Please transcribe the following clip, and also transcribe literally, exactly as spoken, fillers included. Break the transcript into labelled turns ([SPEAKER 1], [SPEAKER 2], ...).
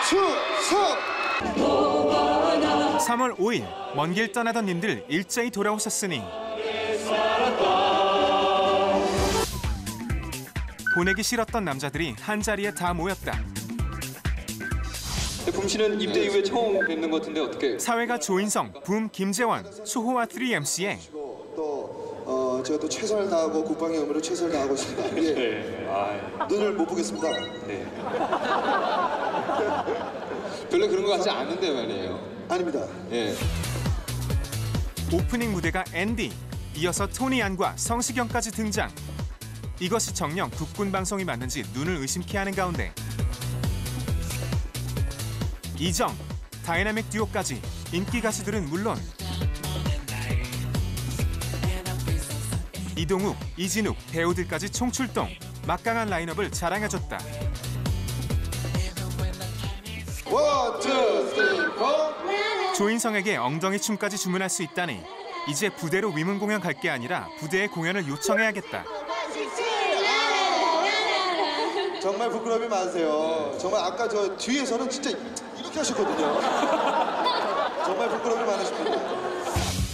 [SPEAKER 1] 추석!
[SPEAKER 2] 삼월 오일 먼 길 떠나던 님들 일제히 돌아오셨으니 보내기 싫었던 남자들이 한자리에 다 모였다.
[SPEAKER 3] 붐 씨는 입대 이후에 처음 뵙는 것 같은데 어떻게?
[SPEAKER 2] 사회가 조인성, 붐 김재원, 수호와 쓰리 엠씨에
[SPEAKER 1] 또 어, 제가 또 최선을 다하고 국방의 의무를 최선을 다하고 있습니다. 예.
[SPEAKER 3] 네. 아,
[SPEAKER 1] 눈을 못 보겠습니다.
[SPEAKER 3] 네. 별로 그런 것 같지 않은데 말이에요.
[SPEAKER 1] 아닙니다.
[SPEAKER 3] 예.
[SPEAKER 2] 오프닝 무대가 앤디, 이어서 토니 안과 성시경까지 등장. 이것이 정녕 국군 방송이 맞는지 눈을 의심케 하는 가운데 이정, 다이나믹 듀오까지 인기 가수들은 물론 이동욱, 이진욱, 배우들까지 총출동, 막강한 라인업을 자랑해줬다.
[SPEAKER 1] 원, 투, 쓰리, 포!
[SPEAKER 2] 조인성에게 엉덩이 춤까지 주문할 수 있다니 이제 부대로 위문 공연 갈 게 아니라 부대에 공연을 요청해야겠다.
[SPEAKER 1] 정말 부끄러움이 많으세요. 정말 아까 저 뒤에서는 진짜 이렇게 하셨거든요. 정말 부끄러움이 많으십니다.